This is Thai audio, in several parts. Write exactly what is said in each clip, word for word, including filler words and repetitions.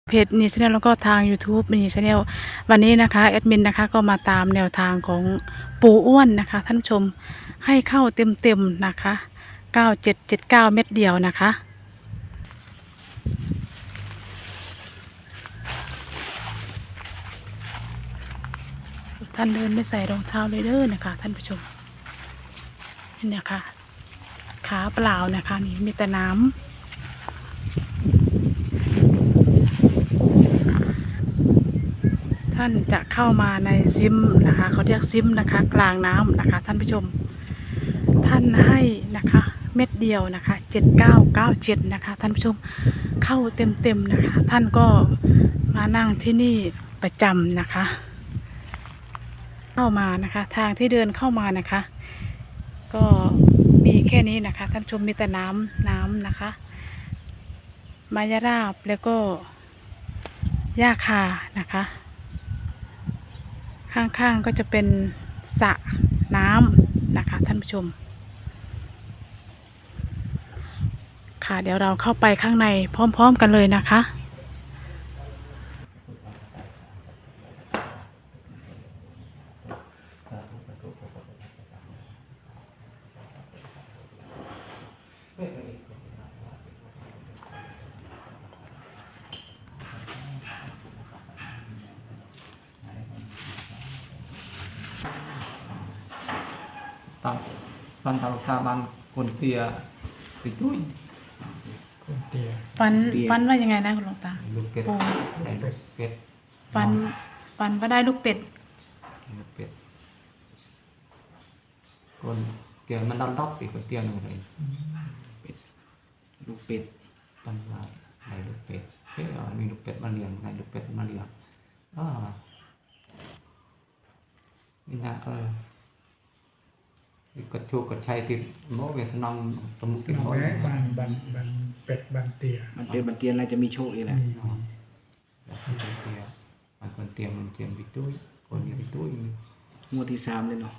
เพจนีชาแนลแล้วก็ทาง YouTube นีชาแนลวันนี้นะคะแอดมินนะคะก็มาตามแนวทางของปู่อ้วนนะคะท่านผู้ชมให้เข้าเต็มๆนะคะเก้าเจ็ดเจ็ดเก้าเม็ดเดียวนะคะท่านเดินไม่ใส่รองเท้าเลยเด้อนะคะท่านผู้ชมนี่นะคะขาเปล่านะคะนี่มีแต่น้ำท่านจะเข้ามาในซิมนะคะเขาเรียกซิมนะคะกลางน้ำนะคะท่านผู้ชมท่านให้นะคะเม็ดเดียวนะคะเจ็ดเก้าเก้าเจ็ดนะคะท่านผู้ชมเข้าเต็มเต็มนะคะท่านก็มานั่งที่นี่ประจำนะคะเข้ามานะคะทางที่เดินเข้ามานะคะก็มีแค่นี้นะคะท่านผู้ชมมีแต่น้ำน้ำนะคะไม้ยาราบแล้วก็หญ้าคานะคะข้างๆก็จะเป็นสระน้ำนะคะท่านผู้ชมค่ะเดี๋ยวเราเข้าไปข้างในพร้อมๆกันเลยนะคะตอนตอนทำตาบันคนเตียติดตุ้ยคนเตียฟันฟันว่ายังไงนะคุณหลวงตาลูกเป็ดปูได้ลูกเป็ดฟันฟันว่าได้ลูกเป็ดลูกเป็ดคนเตียมันดอนดอกติคนเตียหนึ่งเลยลูกเป็ดตอนว่าได้ลูกเป็ดเฮ้ยมีลูกเป็ดมาเลี้ยงได้ลูกเป็ดมาเลี้ยงอ่านี่นะเออกดชูกดชัยติดโม่เวสนอมตมุกินน้องบ่อยแม่บันบันบันเป็ดบันเตียมันเป็นบันเตียนอะไรจะมีโชคอีกแหละคนเตียมันคนเตียมันเตียมติดตุ้ยคนนี้ติดตุ้ยงวดที่สามเลยเนาะ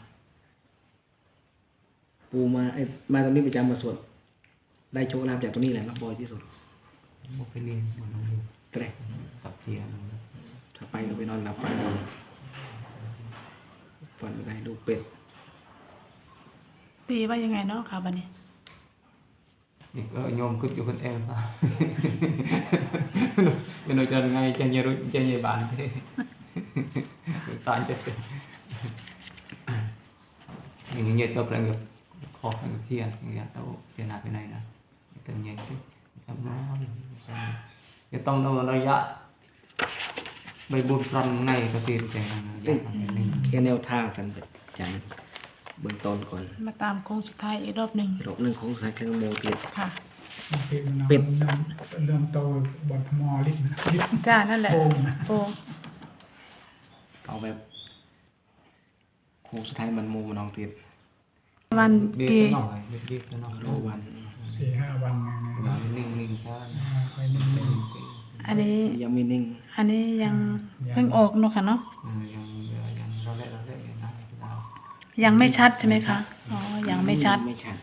ปูมาไอ้มาตรงนี้ประจำมาสวดได้โชคลาภจากตรงนี้แหละนักบอยที่สุดโมไปเรียนมันต้องเรียนแกล้งสับเทียนถ้าไปก็ไปนอนหลับฝันดีฝันได้ลูกเป็ดตีว่ายังไงเนาะค่ะบัดนี้อีกเออโยมขึ้นอยู่คนเองซะเป็นโดยจะไงจะเยรุจะเยบานเท่ตายจะเป็นอย่างเงี้ยตัวเป็นกับคอเป็นเพียนอย่างเงี้ยตัวเพียนหนักไปไหนนะเป็นเงี้ยที่ทำน้อยจะต้องเอาระยะใบบุญพรำไงก็ตีนแจงอย่างนี้แค่แนวทางสันจันเบื้องต้นก่อนมาตามโค้งสุดท้ายอีกรอบหนึ่งรอบหนึ่งของสายเครื่องโมเตียค่ะเป็ดมันเป็ดเริ่มเริ่มโตบอลมอลิฟนะลิฟจ้านั่นแหละโป่งนะโป่งเอาแบบโค้งสุดท้ายมันโมมันนองเตียวันเบี้ยกี่หน่อยเบี้ยหน่อยรอวันสี่ห้าวันนะนิ่งนิ่งใช่ไปนิ่งอันนี้ยังไม่นิ่งอันนี้ยังเพิ่งออกเนาะค่ะเนาะยังยังเราเล่นเราเล่นนะเรายังไม่ชัดใช่ไหมคะอ๋อยังไม่ชัดไม่ชัด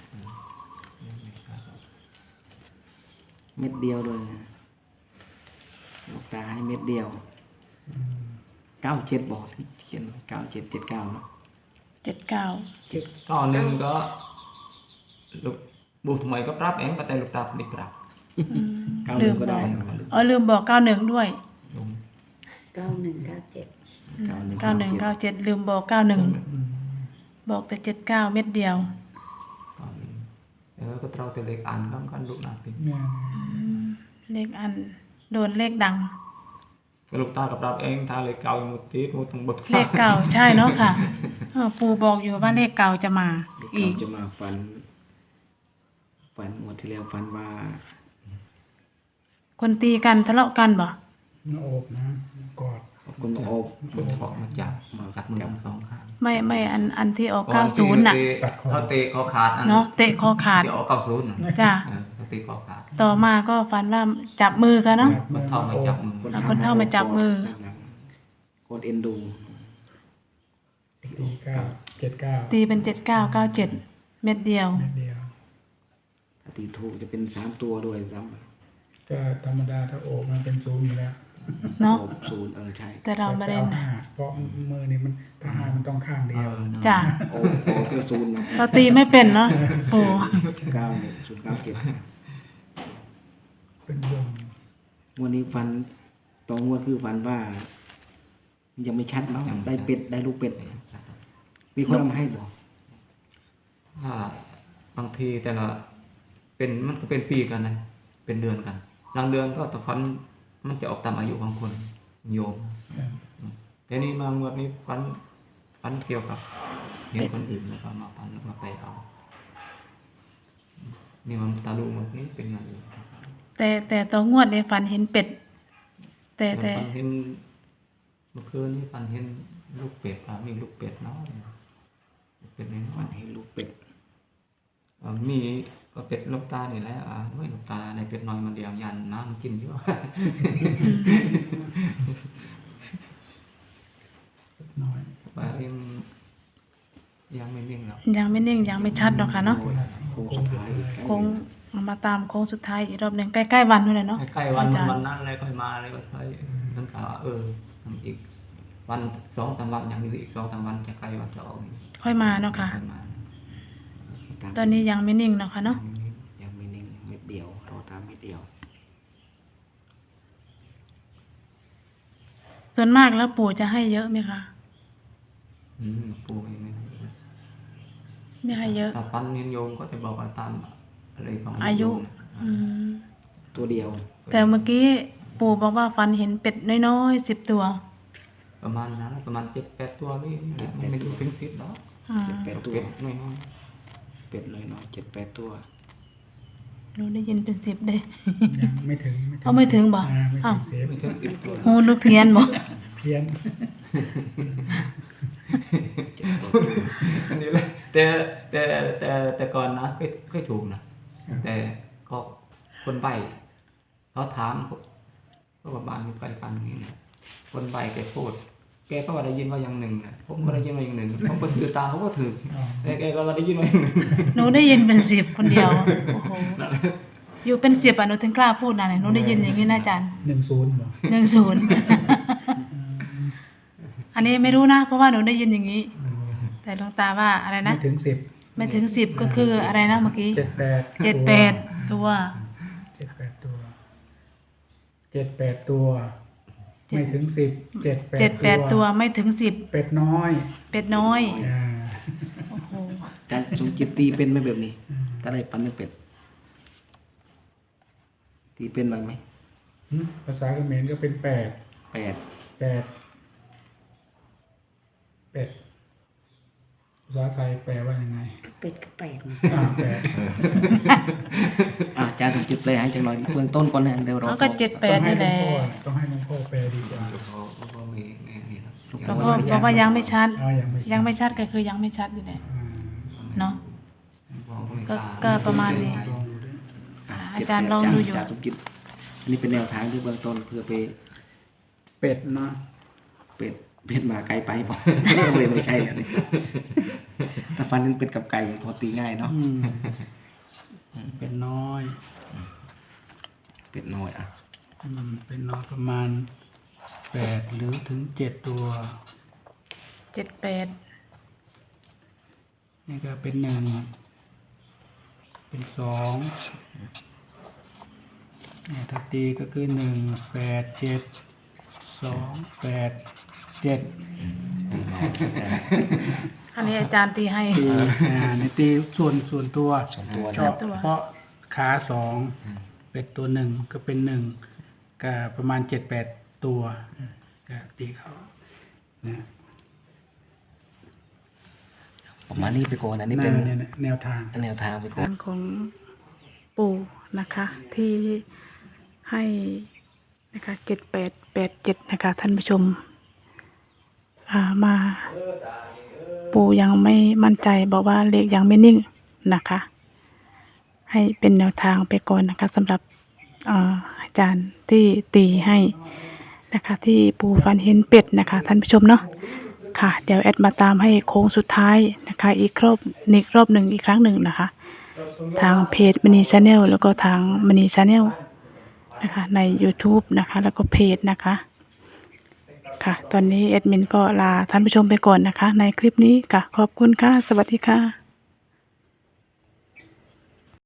เม็ดเดียวเลยลูกตาให้เม็ดเดียวเก้าเจ็ดบอกที่เขียนเก้าเจ็ดเจ็ดเก้าเนาะเจ็ดเก้าเจ็ดก็หนึ่งก็ลูกบุตรใหม่ก็ปรับเองก็แต่ลูกตาไม่ปรับเก้าหนึ่งก็ได้เออลืมบอกเก้าหนึ่งด้วยลุงเก้าหนึ่งเก้าเจ็ดเก้าหนึ่งเก้าหนึ่งเก้าเจ็ดลืมบอกเก้าหนึ่งบอกแต่เจ็ดเก้าเม็ดเดียวก็หนึ่งแล้วก็เราแต่เล็กอันก็กันลูกนักติๆเนี่ยเลขอันโดนเลขดังก็ลูกตากับปรับเองถ้าเล็กเก่าหมดทีหมดทั้งหมดเลขเก่าใช่เนาะค่ะเออปู่บอกอยู่ว่าเลขเก่าจะมาเด็กอีเก้าก จะมาฟัน ฟันหมดที่แล้วฟันว่าคนตีกันทะเลาะกันบ่หน้าอกนะกอดคนมาโอบคนถอดมาจับมาจับมือทั้งสองข้างไม่ไม่อันอันที่ออกเก้าศูนย์น่ะเขาเตะคอขาดเนาะเตะคอขาดที่ออกเก้าศูนย์จ้ะเขาเตะคอขาดต่อมาก็ฝันว่าจับมือกันเนาะคนเท่ามาจับมือเอาคนเฒ่ามาจับมือคนเอ็นดูตีเก้าเจ็ดเก้าตีเป็นเจ็ดเก้าเก้าเจ็ดเม็ดเดียวเม็ดเดียวถ้าตีถูกจะเป็นสามตัวด้วยซ้ก็ธรรมดาถ้าอกมันเป็นศูนย์อยู่แล้วำเนาะโอ้ศูนย์เออใช่แต่เราไม่ได้อนะห้าเพราะมือนี่มันถ้าห้ามันต้องข้างเดียวจ้ะโอ้โหก็ศูนย์เนาะเราตีไม่เป็นเนาะปู่เก้าหนึ่งศูนย์เก้าเจ็ดเป็นวงวันนี้ฟันตองงวดคือฟันว่า ยังไม่ชัดเนาะได้เป็ดได้ลูกเป็ด มีคนเอามาให้บอกถ้าบางทีแต่ละเป็นมันก็เป็นปีกันนะเป็นเดือนกันบางเดือนก็ตะพันมันจะออกตามอายุของคนโยมครับแต่นี่มางวดนี้พันพันเกี่ยวกับเห็นคนอื่นแล้วก็มาพันแล้วมาไปเอานี่มันตาลูงวดนี้เป็นไงแต่แต่ตัวงวดในฝันเห็นเป็ด แต่แต่พันเห็นเมื่อคืนนี้พันเห็นลูกเป็ดครับมีลูกเป็ดน้อยลูกเป็ดน้อยฟันให้ลูกเป็ดเอ่อมีก็เป็ดลูกตานี่แหละอ่าไม่ลูกตาในเป็ดน้อยมันเดียวยันน้ำกินเยอะน้อยว่ายังยังไม่นิ่งหรอกยังไม่นิ่งยังไม่ชัดหรอกค่ะเนาะโค้งสุดท้ายโค้งมาตามโค้งสุดท้ายอีกรอบหนึ่งใกล้ๆวันนู่นเลยเนาะใกล้ๆวันอาจารย์วันนั้นเลยค่อยมาเลยก็ค่อยตั้งแต่ว่าเออทำอีกวันสองสามวันอย่างนี้อีกสองสามวันจะใกล้วันจะออกนี่ค่อยมาเนาะค่ะค่อยมาตอนนี้ยังไม่นิ่งเนาะค่ะเนาะยังไม่นิ่งเม็ดเดียวรอตามเม็ดเดียวส่วนมากแล้วปู่จะให้เยอะไหมคะอืมปูยังไม่ไม่ให้เยอะถ้าฟันเนียนโยมก็จะบอกว่าตามอะไรของอายุโมนะอืมตัวเดียวแต่เมื่อกี้ปู่บอกว่าฝันเห็นเป็ดน้อยๆสิบตัวประมาณนั้นประมาณเจ็ดแปดตัวนี่แหละมันไม่ถึงถึงสิบหรอกอ่าเจ็ดแปดตัวเป็ดน้อยเป็ดน้อยน้อยเจ็ดแปดตัวหนูได้ยินเป็นสิบเลยยังไม่ถึงเอาไม่ถึงบ่อ่าไม่อ้าถึวงเซฟๆไม่ถึงสิบตัวหูหนูเพี้ยนบ่เพี้ยนอันนี้เลยแต่แต่แต่แต่ก่อนนะเคยเคยถูกนะแต่ก็คนใบเขาถามก็ประมาณไปกันอย่างนี้นะคนใบแกพูดแกก็ว่าได้ยินว่าอย่างหนึ่งนะผมก็ได้ยินว่าอย่างหนึ่งผมก็ถือตามเขาก็ถืออ๋อแต่แกก็ได้ยินว่าอย่างหนึ่งหนูได้ยินเป็นสิบคนเดียวโอ้โหอยู่เป็นสิบอ่ะหนูถึงกล้าพูดนะเนี่ยหนูได้ยินอย่างนี้นะอาจารย์หนึ่งศูนย์เหรอหนึ่งศูนย์อันนี้ไม่รู้นะ เพราะว่าหนูได้ยินอย่างนี้อืมแต่หลวงตาว่าอะไรนะไม่ถึงสิบไม่ถึงสิบก็คืออะไรนะเมื่อกี้เจ็ดแปดเจ็ดแปดตัวเจ็ดแปดตัวเจ็ดแปดตัวเจ็ดไม่ถึงสิบเจ็ดแปดเจ็ดแปดตัวไม่ถึงสิบเป็ดน้อยเป็ดน้อยอ่าโอ้โหการสมจิตตีเป็นไหมแบบนี้ ถ้าได้ปันเป็นเป็ด ตีเป็นบ้างไหมหึภาษาเขมรก็เป็นแปดแปดแปดเป็ดภาษาไทยแปลว่ายังไงเป็ดก็แปดอ่าแปดอ่ะอาจารย์สมจิตแปลให้จังหน่อยเบื้องต้นก่อนนะเดี๋ยวเราเขาก็เจ็ดแปดนี่แหละต้องให้หลวงพ่อแปลดีกว่าเขาก็มีมีนี่นะเพราะว่าเพราะว่ายังไม่ชัดอ่ายังไม่ยังไม่ชัดก็คือยังไม่ชัดอยู่แหละอ่าเนาะบอกคนก็ตาก็ประมาณนี้ลองดูดิอ่ะอาจารย์ลองดูอยู่อาจารย์สมจิตอันนี้เป็นแนวทางที่เบื้องต้นเพื่อไปเป็ดนะเป็ดเป็ดมาไกลไปบอก เลยไม่ใช่เลยนี่ถ้าฟันนั้นเป็ดกับไก่พอตีง่ายเนาะอืมเป็ดน้อยเป็ดน้อยอ่ะอืมเป็นน้อยประมาณแปดหรือถึงเจ็ดตัวเจ็ดแปดนี่ก็เป็นหนึ่งเป็นสองเนี่ยถ้าตีก็คือหนึ่งแปดเจ็ดสองแปดเจ็ดอันนี้อาจารย์ตีให้ตีอ่าในตีส่วนส่วนตัวสองตัวเฉนะตัวพาะขาสองเป็ดตัวหนึ่งก็เป็นหนึ่งก็ประมาณเจ็ดแปดตัวก็ตีเขานะประมาณนี้ไปก่อนอันนี้นั่เป็นนเนี่ยนะแนวทางแนวทางไปก่อนการของปู่นะคะ ที่ให้นะคะเจ็ดแปดแปดเจ็ดนะคะ ท่านผู้ชม อ่ามาปู่ยังไม่มั่นใจบอกว่าเลขยังไม่นิ่งนะคะ ให้เป็นแนวทางไปก่อนนะคะสำหรับอ่าอาจารย์ที่ตีให้นะคะ ที่ปู่ฟันเห็นเป็ดนะคะ ท่านผู้ชมเนาะค่ะ เดี๋ยวแอดมาตามให้โค้งสุดท้ายนะคะ อีกรอบอีกรอบหนึ่งอีกครั้งหนึ่งนะคะ ทางเพจมณีชาแนลแล้วก็ทางมณีชาแนลนะคะใน YouTube นะคะ แล้วก็เพจนะคะค่ะ ตอนนี้แอดมินก็ลาท่านผู้ชมไปก่อนนะคะ ในคลิปนี้ค่ะขอบคุณค่ะ สวัสดีค่ะ